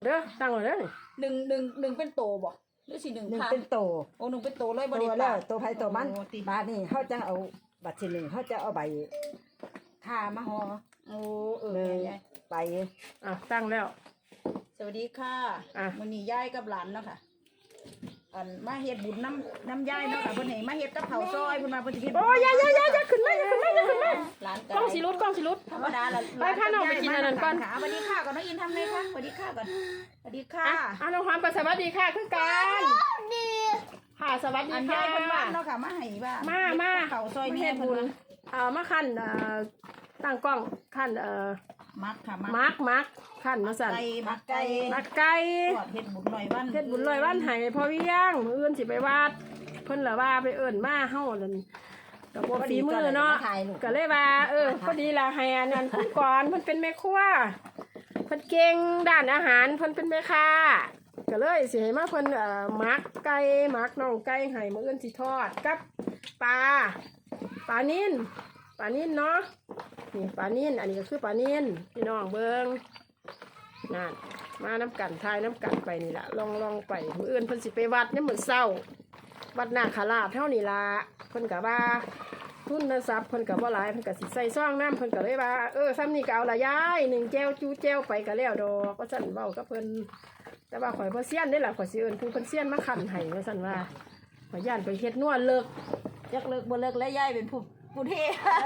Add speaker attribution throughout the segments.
Speaker 1: เด้อตั้งไว้เด้อนี่
Speaker 2: หนึ่งเป็นโตบ่หรือสิหนึ่ง
Speaker 3: 1
Speaker 2: ค่ะ
Speaker 3: เป็นโต
Speaker 2: โอ้หนึ่งเป็นโตเลยบ่
Speaker 3: ตั
Speaker 2: ได้
Speaker 3: ว
Speaker 2: ป
Speaker 3: แล้
Speaker 2: ลาว
Speaker 3: ตัวไผตัวมัน
Speaker 2: โอ้ติ
Speaker 3: บาดนี้เฮาจะเอาบัตรที่1เฮาจะเอาใบค่ามาห่อ
Speaker 2: โอ้
Speaker 3: เลย
Speaker 2: ยาย
Speaker 3: ไป
Speaker 1: ตั้งแล้ว
Speaker 2: สวัสดีค่ะ
Speaker 1: อ่ะ
Speaker 2: มื้อนี้ยายกับหลานเนาะค่ะอันมาเฮ็ดบุญน้ำยายเนาะค่ะเพิ่นให้มาเฮ็ดกับข้าวซอยเพิ่นมาเพิ่นสิเฮ็ด
Speaker 1: โอ้ยอย่าขึ้นมาอย่าขึ้นมาอย่าขึ้นมา
Speaker 2: หลาน
Speaker 1: กล้องสิรุดกล้องสิรุด
Speaker 2: ธรรมดาละ
Speaker 1: ไปพาน้องไปกินอันนั้นก่อน
Speaker 2: ค่ะสวัสดีค่ะก่อนน้องอินทำไงคะสวัสดีค่ะก่อนสวัสดีค่ะ
Speaker 1: น้องความก็สวัสดีค่ะคือกันค่ะสวัสดี
Speaker 2: อัน
Speaker 1: ค่ะ
Speaker 2: ยายเพิ่นว่าเนาะค่ะมาให้ว่า
Speaker 1: มา
Speaker 2: ข้าวซอย
Speaker 1: มา
Speaker 2: นี่
Speaker 1: เฮ็ด
Speaker 2: เพิ่น
Speaker 1: บุญ
Speaker 2: ว่า
Speaker 1: มาขั้นตั้งกล้องขั้น
Speaker 2: มักค่ะ
Speaker 1: มาร์กขั้นมาสั่น
Speaker 2: มักไก่
Speaker 1: มักไก่
Speaker 2: ทอดเฮ็ดบุญหน่อยวัน
Speaker 1: เฮ็ดบุญลอยวันให้พ่อเวียงมื้ออื่นสิไปวัดเพิ่นละว่าไปเอิ้นมาเฮานั่นก็บ่ฝีมือเนาะก็เลยว่าพอดีละให้อันนั้นเพิ่นก่อนเพิ่นเป็นแม่ครัวเพิ่นเก่งด้านอาหารเพิ่นเป็นแม่ค้าก็เลยสิให้มาเพิ่นมักไก่มักน่องไก่ให้มื้ออื่นสิทอดกับปลานิ่นเนาะนี่ปลานิ่นอันนี้ก็คือปลานิ่นพี่น้องเบิ่งนั่นมาน้ำกันทายน้ำกันไปนี่ละลองไปมื้ออื่นเพิ่นสิไปวัดเนี่ยเหมือนเศร้าวัดนาคราชเท่านี้ละเพิ่นก็ว่าทุนทรัพย์เพิ่นก็บ่หลายเพิ่นก็สิใส่ซองน้ำเพิ่นก็เลยว่าซ้ำนี่ก็เอาละยาย1แก้วจูแก้วไปก็แล้วดอกก็สั่นเว้ากับเพิ่นแต่ว่าข่อยบ่เซียนได้ล่ะข่อยสิเอิ้นผู้เพิ่นเซียนมาคั่นให้ว่าซั่นว่าข่อยย่านไปเฮ็ดนัวเลิก
Speaker 2: จักเลิกบ่เลิกแล้วยายเป็นผู้เท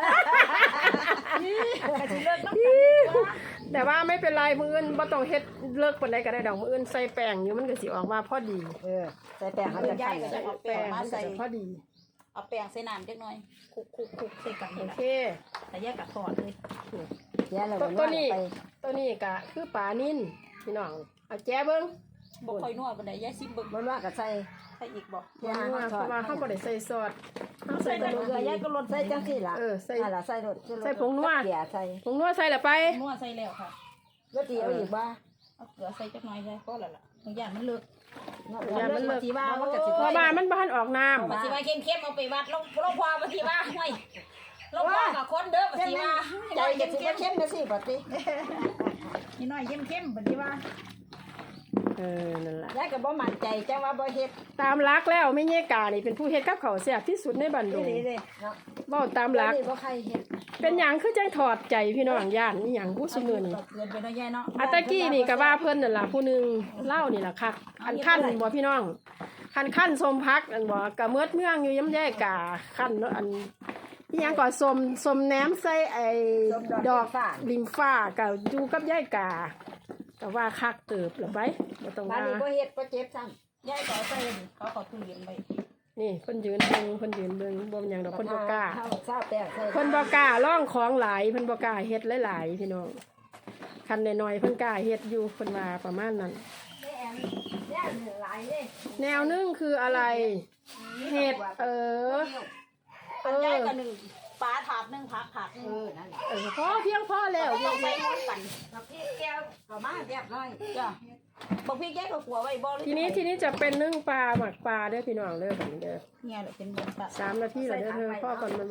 Speaker 2: ก็สิเลิกน้ำกัน
Speaker 1: แต่ว่าไม่เป็นไรมื้ออื่นบ่ต้องเฮ็ดเลิกปานใดก็ได้ดอกมื้ออื่นใส่แป้งอยู่มันก็สิออกมาพอดี
Speaker 3: ใส่แป้งเขาจะ
Speaker 2: ยาย
Speaker 3: ใส่
Speaker 2: ก็จะเอาแป้งมา
Speaker 1: มันก็
Speaker 2: ใส่
Speaker 1: จะพอดี
Speaker 2: เอาแป้งใส่น้ำจักหน่อยคลุกใส่กัน
Speaker 1: โอ
Speaker 2: นี่ล่ะ
Speaker 1: เค
Speaker 2: แต่ยายก็ทอดเลย
Speaker 3: แย่แล้ว
Speaker 1: ตัวนี้ก็คือปลานิ่นพี่น้องเอาแจ้เบิ่ง
Speaker 2: บ่ค่อยนัวปานใดยายซิมเบิ่ง
Speaker 3: มันว่าก็ใส่
Speaker 2: ใส่อีกบ่
Speaker 3: แย่
Speaker 1: เพ
Speaker 3: ทอ
Speaker 1: ราะ
Speaker 3: ด
Speaker 1: ว่าเขาบ่ได้ใส่ซอสเขาใส่
Speaker 3: ใส่
Speaker 1: แต่
Speaker 3: เกลือยายก็ลดใส่จังซี่ล่ะ
Speaker 1: ใส่
Speaker 3: ล่ะใส่รส
Speaker 1: ใส่ผงนัว
Speaker 3: เกลือใส่
Speaker 1: ผงนัวใส่ละไป
Speaker 2: นัวใส่แล้วค่ะ
Speaker 3: รสดีเอาอีกบ่
Speaker 2: เอาเกลือใส่จักหน่อยได้พอแล้วล่ะบางอย่างมันเลิก
Speaker 1: อย่ามันเลิก
Speaker 2: สิว่ามันก็สิ
Speaker 1: เพราะว่ามันบ่ทันออกน้ำ
Speaker 2: ปฏิว่าเข้มๆเอาไปวัดลงพอปฏิว่าห้วยลงพอกับคนเด้อปฏิว่า
Speaker 3: ใจก็สิบ่เข้มนะสิบัดนี้
Speaker 2: นี่น้อยเข้มปฏิว่า
Speaker 1: นั่นแหละ
Speaker 3: ยายก็บ่มั่นใจจังว่าบ่เฮ็ด
Speaker 1: ตามรักแล้วไม่เงี้ยกานี่เป็นผู้เฮ็ดกับเขาวแซ่บที่สุดในบันด
Speaker 3: อี
Speaker 1: ง
Speaker 3: หลีเด้เนาะ
Speaker 1: เว้าตามรัก
Speaker 3: นี่บ่ใครเฮ็ด
Speaker 1: เป็นหยังคือจังถอดใจพี่น้องย่านนี่หยังผู้ซุมื้อนี่
Speaker 2: เกินไปเนาะยายเนาะ
Speaker 1: อาตะกี้นี่ก็ว่าเพิ่นนั่นล่ะผู้หนึงเล่านี่ล่ะคักคันขั้นบ่พี่น้องคันสมพักอันบ่ก็เมิดเมืองอยู่ยำแย่กาคันอันอีหยังก็สมแหนมใส่ไอ้ดอกลิมฟ้าก็อยู่กับยายกาก็ว่าคักเติบละไปบ่ต้อง
Speaker 3: บ้าน
Speaker 1: ว่า
Speaker 3: นี้บ่เฮ็ดบ่เจ็บซ้ำ
Speaker 2: ยายก็ใส่เขาตู้เย็นไป
Speaker 1: นี่เพิ่นยืนเบิ่งบ่เป็นหยังดอกเพิ่นบ่กล้า
Speaker 3: ข้าวซาแป้งใส่
Speaker 1: เพิ่นบ่กล้าล่องของหลายเพิ่นบ่กล้าเฮ็ดหลายๆพี่น้องคันน้อยๆเพิ่นกล้าเฮ็ดอยู่เพิ่นว่าประมาณนั้น
Speaker 3: แย่หลายเด้
Speaker 1: แนวนึงคืออะไรเห็ด
Speaker 2: อันยายก็หนึ่งปลาถาดหนึ่งผักถาดหนึ่ง
Speaker 3: นั่นแหละ
Speaker 1: พอเพียงพอแล้ว
Speaker 2: ต้องใส่ร่วมกัน
Speaker 3: แล้วพี่แก้วก็มาเรียบร้อย
Speaker 2: จ้ะบอกพี่แยกกับหัวไว้บ่
Speaker 1: ทีนี้จะเป็นนึ่งปลาหมักปลาเด้อพี่น้องเด้อแบบนี้เด้อ
Speaker 2: เนี่ยแหละเป็นแบบ
Speaker 1: 3 นาทีแล้วเด้อเธอพ่อก่อนมัน